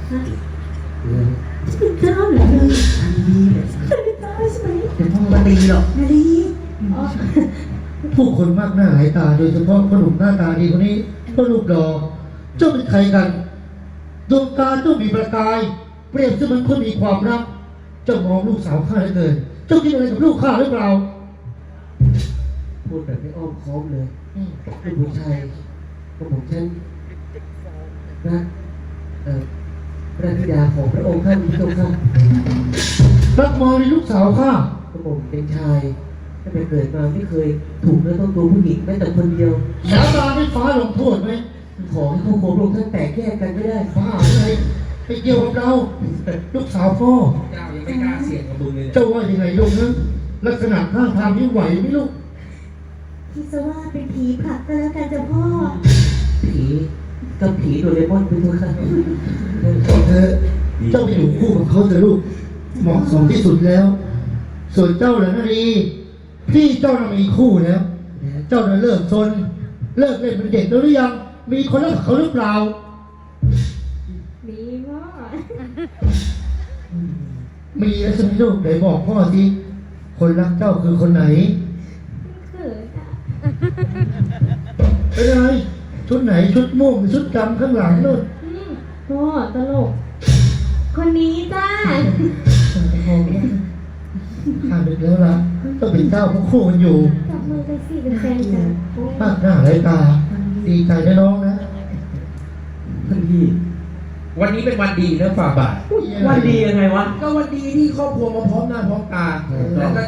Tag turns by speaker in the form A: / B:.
A: เป็นเจ้าเหรอเลยเป็นเจ้าใช่ไหมเดี๋ยวพ่อมาตีหรอกนาดี
B: ผู้คนมากหน้าหลายตาโดยเฉพาะคนหนุ่มหน้าตาดีคนนี้ก็รูปหล่อเจ้าเป็นใครกันดวงตาเจ้ามีประกายเปรียบเสมือนคนมีความรักเจ้ามองลูกสาวข้าเหลือเกินเจ้าคิดอะไรกับลูกข้าหรือเปล่า
C: พูดแบบไม่อ้อมค้อมเลยเป็นผู้ชายก็ผมฉันรักพระธิดาของพระองค์ท่านพระองค์ท่าน
B: รักมองในลูกสาวข้า
C: ก็ผมเป็นชายตั้งแต่เกิดมาไม่เคยถูกเนื้อต้องตัวผู้หญิงแม้แต่คนเดียว
B: สาบานให้ฟ้าลงโทษไหม
C: ขอให้ครอบครัวพระองค์ท่านแตกแยกกันไม่ได้
B: ฟ้าอะไรไปเกี่ยวกับเราลูกสาวพ่อ
D: เจ้ายังไม่กล้าเสี่ยงกับมึงเลย
B: เจ้าว่ายังไงลูกนะลักษณะท่าทางนี้ไหวไหมลูก
A: คิดซะว่าเป็นผีผลักก็แล้วกันจ้ะพ่อ
C: ผีกับผีโดเรมอนเป็นตัวค่ะ
B: เธอเจ้าไปอยู่คู่กับเขาเถอะลูกเหมาะสมที่สุดแล้วส่วนเจ้าล่ะนาดีพี่เจ้าน่ะมีคู่แล้วเจ้าน่ะเลิกซนเลิกเล่นเป็นเด็กแล้วหรือยังมีคนรักเขาหรือเปล่า
A: มีพ่อ
B: มีแล้วใช่ไหมลูกไหนบอกพ่อสิคนรักเจ้าคือคนไหน
A: เขินอ่ะ
B: เป็นอะไรชุดไหนชุดม่วงชุดดำข้างหลังนู่น
A: พ่อตลกคนนี้จ้า
B: ข้าดึกแล้วล่ะต้องเป็นเจ้าพวกคู่กันอยู่
A: จับมือไปสิเป็นแฟนกัน
B: ภาคหน้าไรตาดีใจนะน้องนะ
C: ท่านพี่
D: วันนี้เป็นวันดีนะฝ่าบาท
C: วันดียังไงวะ
D: ก็วันดีที่ครอบครัวมาพร้อมหน้าพร้อมตาแล้วก็